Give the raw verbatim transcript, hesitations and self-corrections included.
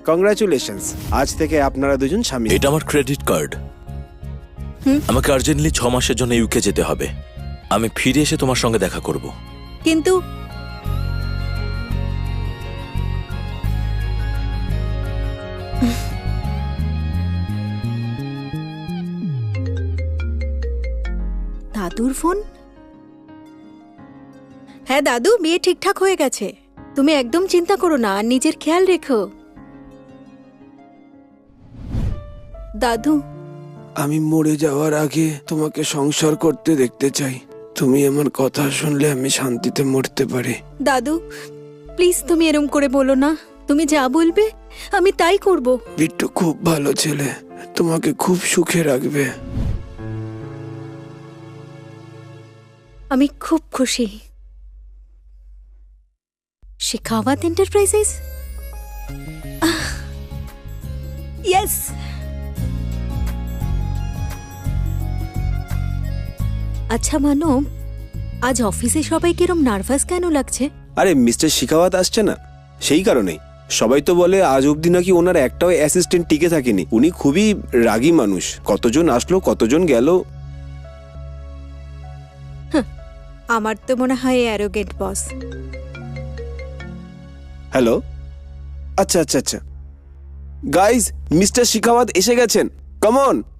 Congratulations, আজ থেকে আপনারা দুজন স্বামী। এটা আমার ক্রেডিট কার্ড। আমাকে আর্জেন্টলি ছ মাসের জন্য ইউকে যেতে হবে। আমি ফিরে এসে তোমার সঙ্গে দেখা করব। কিন্তু দাদুর ফোন। হ্যাঁ দাদু, বিয়ে ঠিকঠাক হয়ে গেছে। তুমি একদম চিন্তা করো না, আর নিজের খেয়াল রেখো। দাদু, আমি মরে যাওয়ার আগে তোমাকে সংসার করতে দেখতে চাই। তুমি আমার কথা শুনলে আমি শান্তিতে মরতে পারি। দাদু প্লিজ তুমি এরম করে বলো না। তুমি যা বলবে আমি তাই করব। বিট্টু খুব ভালো ছেলে, তোমাকে খুব সুখে রাখবে। আমি খুব খুশি। Shekhawat enterprises, yes. আচ্ছা মানো, আজ অফিসে সবাই কিরম নার্ভাস কেন লাগছে? আরে মিস্টার শিখাওয়াত আসছে না, সেই কারণেই। সবাই তো বলে আজ অব্দি নাকি ওনার একটাও অ্যাসিস্ট্যান্ট টিকে থাকেনি। উনি খুবই রাগী মানুষ, কতজন আসলো কতজন গেল। আমার তো মনে হয় অ্যারোগেন্ট বস। হ্যালো, আচ্ছা আচ্ছা আচ্ছা গাইজ, মিস্টার শিখাওয়াত এসে গেছেন, কাম অন।